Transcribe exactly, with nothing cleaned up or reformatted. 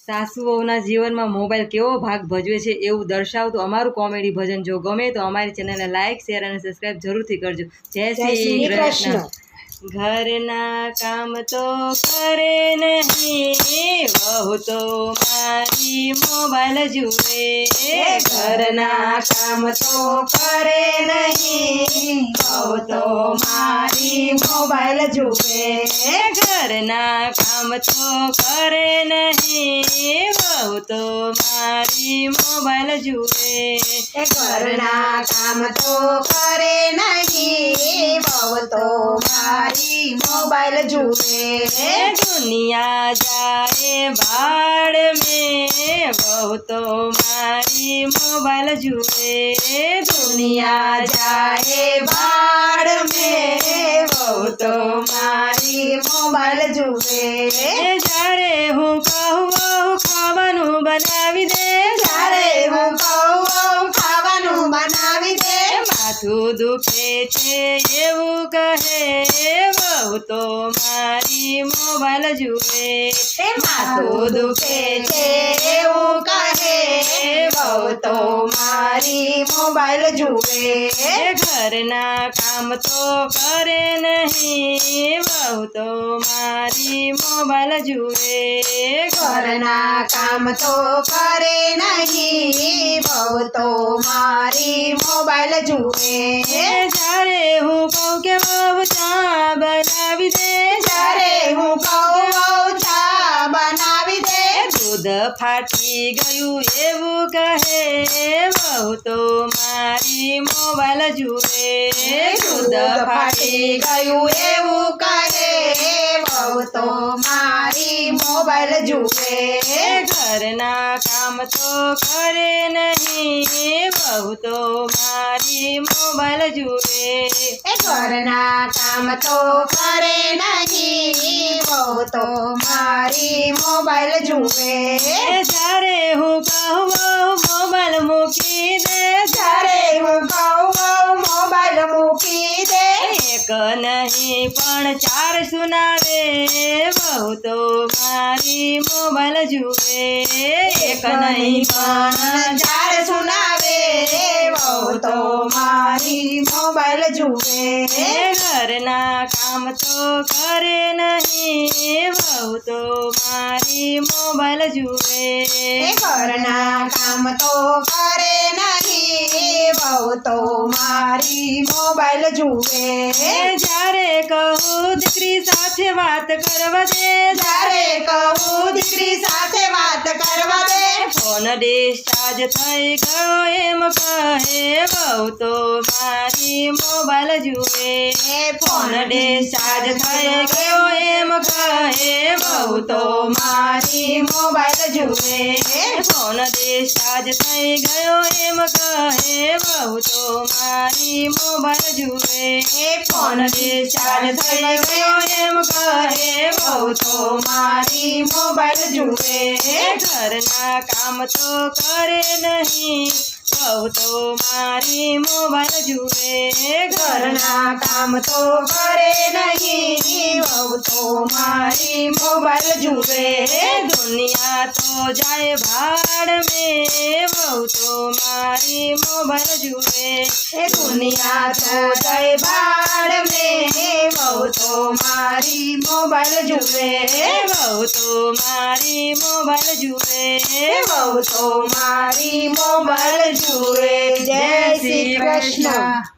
સાસુઓના જીવનમાં મોબાઈલ કેવો ભાગ ભજવે છે એવું દર્શાવતું અમારું કોમેડી ભજન જો ગમે તો અમારી ચેનલને લાઇક શેર અને સબસ્ક્રાઈબ જરૂરથી કરજો. જય શ્રી કૃષ્ણ. ઘરના કામ તો કરે નહીં, વહુ તો મારી મોબાઈલ જુએ. ઘરના કામ તો કરે નહીં, વહુ તો મારી મોબાઈલ જુએ. ઘરના કામ તો કરે નહીં, વહુ તો મારી મોબાઈલ જુએ. ઘરના કામ તો કરે નહીં, વહુ તો મારી મોબાઈલ જુએ. દુનિયા જાય ભાડ મેં, વહુ તો મારી મોબાઈલ જુએ. દુનિયા જાય ભાડ મેં, વહુ તો મારી મોબાઈલ જુએ. જ્યારે હું કહું વહુ ખાવાનું બનાવી દે, જ્યારે હું કહું વહુ ખાવાનું બનાવી દે, માથું દુખે છે એવું કહે, વહુ તો મારી મોબાઈલ જુએ. માથું દુખે છે એવું કહે, વહુ તો મારી મોબાઈલ જુએ. ઘરના કામ તો કરે નહીં, વહુ તો મારી મોબાઈલ જુએ. ઘરના કામ તો કરે નહીં, વહુ તો મારી મોબાઈલ જુએ. જ્યારે હું કહું કે વહુ ચા બનાવી દે, જ્યારે હું કહું વહુ ચા બનાવી દે, દૂધ ફાટી ગયું એવું કહે, વહુ તો મારી મોબાઈલ જુએ. દૂધ ફાટી ગયું એવું કહે, વહુ તો મારી મોબાઈલ જુએ. ઘરના કામ તો કરે નહીં, વહુ તો મારી મોબાઈલ જુએ. ઘરના કામ તો કરે નહીં, વહુ તો મારી મોબાઈલ જુએ. જ્યારે હું કહું વહુ મોબાઈલ મૂકી દે, જ્યારે હું કહું વહુ મોબાઈલ મૂકી દે, એક નહીં પણ ચાર સુનાવે, વહુ તો મારી મોબાઈલ જુએ. એક નહીં પણ ચાર સુનાવે, વહુ તો મારી મોબાઈલ જુએ. ઘરના કામ તો કરે નહીં, વહુ તો મારી મોબાઈલ જુએ. ઘરના કામ તો કરે નહીં, વહુ તો મારી મોબાઈલ જુએ. જ્યારે કહું દીકરી સાથે વાત કરવા દે, જ્યારે કહું દીકરી સાથે વાત કરવા દે, ફોન ડિસ્ચાર્જ થઈ ગયો એમ કહે, વહુ તો મારી મોબાઈલ જુએ. ફોન ડિસ્ચાર્જ થઈ ગયો એમ કહે, વહુ તો મારી મોબાઈલ જુએ. ફોન ડિસ્ચાર્જ થઈ ગયો એમ કહે, વહુ તો મારી મોબાઈલ જુએ. ફોન ડિસ્ચાર્જ થઈ ગયો એમ કહે, વહુ તો મારી મોબાઈલ જુએ. ઘરના કામ તો કરે નહીં, વહુ તો મારી મોબાઈલ જુએ. ઘરના કામ તો કરે નહીં, વહુ તો મારી મોબાઈલ જુએ. દુનિયા તો જાય ભાડ મેં, વહુ તો મારી મોબાઈલ જુએ. દુનિયા તો જય ભાડ મેં, વહુ તો મારી મોબાઈલ જુએ. વહુ તો મારી મોબાઈલ જુએ. વહુ તો મારી મોબાઈલ જુએ. જય શ્રી કૃષ્ણ.